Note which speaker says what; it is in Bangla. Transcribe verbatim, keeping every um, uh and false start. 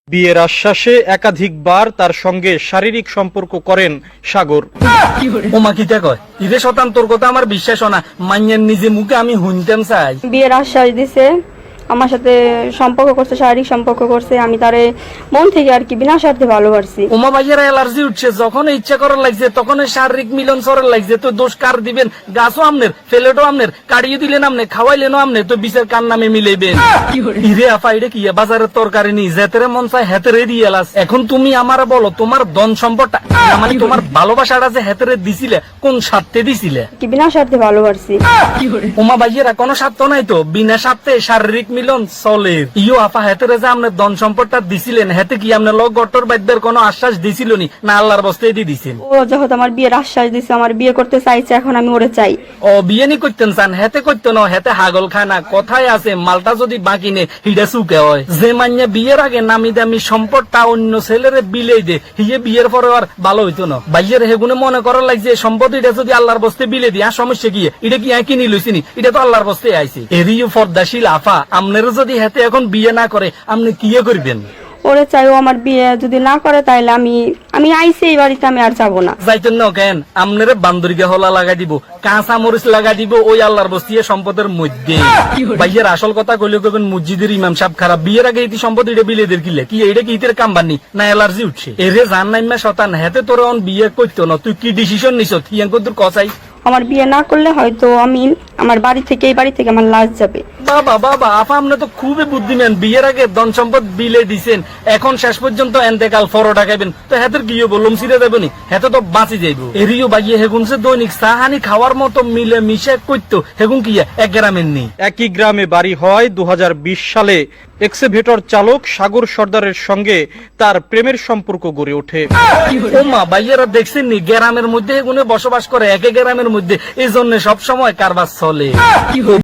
Speaker 1: বিয়ের আশ্বাসে একাধিকবার তার সঙ্গে শারীরিক সম্পর্ক করেন সাগর।
Speaker 2: ওমা কিটা কয় ইরে শতান তোর কথা আমার বিশ্বাস হয় না, মাইয়ার নিজে মুখে আমি শুনতাম চাই।
Speaker 3: বিয়ের আশ্বাস দিছে, আমার সাথে সম্পর্ক করছে, শারীরিক সম্পর্ক করছে, আমি তারে মন থেকে আর কি বিনা স্বার্থে ভালোবাসছি।
Speaker 2: ওমা ভাইয়ের অ্যালার্জি উঠছে, যখন ইচ্ছা করার লাগছে তখন শারীরিক মিলন সরার লাগছে, তো দোষ কার দিবেন? গাছও আমনের, ফেলেটও আমনের, কাড়িয়ে দিলেন আমনে, খাওয়াইলেনও আমনে, তো বিচার কার নামে মিলাইবেন? ইরে আপা এটা কি বাজারের তরকারি নি যেতেরে মন চায় হেতেরে দিয়ে এলাস। এখন তুমি আমার বলো তোমার ধন সম্পদটা মানে তোমার ভালোবাসাটা যে হেতেরে দিছিলে কোন স্বার্থে দিছিলে?
Speaker 3: কি বিনা স্বার্থে ভালোবাসছি।
Speaker 2: ওমা ভাইয়েরা কোনো স্বার্থ নাই তো, বিনা স্বার্থে শারীরিক মিলন চলে। ইয়ো আপা হেতেরে যে আপনার ধন সম্পদটা দিছিলেন হেতে কি আপনার লোক গট্টর বাদ্যের কোনো আশ্বাস দিছিল নি, না আল্লাহর বস্তায় দিয়ে দিছেন?
Speaker 3: ও যখন আমার বিয়ের আশ্বাস দিছে, আমার বিয়ে করতে চাইছে, এখন আমি ওরে চাই।
Speaker 2: ও বিয়ে নি করতেন চান, হেতে করতে না, হেতে হাগল খায় না। কথায় আছে মালটা যদি বাকি নে হিডা সুকে হয়। যে মান্যা বিয়ের আগে নামি দামি সম্পদটা অন্য ছেলেরে বিলেই দে, হিয়ে বিয়ের পরে আর ভালো হইতো না। ভাইয়ের হেগুনে মনে করার লাগছে সম্পদ এটা যদি আল্লাহর বস্তে বিলে দিয়ে আর সমস্যা কি? এটা কি কিনি লইছিনি, এটা তো আল্লাহর বস্তে আইছে। এরিও ফর্দাশীল আফা আমনের যদি হেতে এখন বিয়ে না করে আপনি কি করবেন?
Speaker 3: ওরে চাই, ও আমার বিয়ে যদি না করে তাইলে আমি আমি আইছি এই বাড়িতে, আমি আর যাবো না।
Speaker 2: যাইতেন না কেন? আমনের বান্দরিকে হলা লাগাই দিব, কাঁচা মরিচ লাগাই দিব ওই আল্লাহর বস্তিয়ে সম্পদের মধ্যে। ভাইয়ের আসল কথা কইলে কবেন মসজিদের ইমাম সাহেব খারাপ, বিয়ের আগে এই সম্পদ এটা বিলেদের কিলে কি এটা কি ইতের কামবানি না অ্যালার্জি উঠছে? এরে জান নাইমা শতান হেতে তোর অন বিয়ে করতো না, তুই কি ডিসিশন নিছ? হিয়াং কদ্দুর কসাই
Speaker 3: আমার বিয়ে না করলে হয়তো আমি আমার বাড়ি থেকে এই বাড়ি থেকে আমার লাশ যাবে।
Speaker 2: বাবা বাবা আপা আপনি তো খুবই বুদ্ধিমান, বিয়ের আগে ধন সম্পদ বিলে দিছেন, এখন শেষ পর্যন্ত এন্তেকাল ফরোটা খাইবেন, তো হেতের কি হবো? লম সিরে দেবনি, হেতে তো বাঁচি যাইব। এরিও বাইয়ে হেগুন সে দৈনিক সাহানি খাওয়ার মতো মিলে মিশে করতো, হেগুন কি এক গ্রামের নেই।
Speaker 1: একই গ্রামে বাড়ি হয় দু হাজার বিশ সালে এক্সেভেটর চালক সাগর সর্দারের সঙ্গে তার প্রেমের সম্পর্ক গড়ে ওঠে।
Speaker 2: ওমা ভাইয়েরা দেখছেন নি গ্রামের মধ্যে এগুনে বসবাস করে, একে গ্রামের মধ্যে, এই জন্য সবসময় কারবার চলে।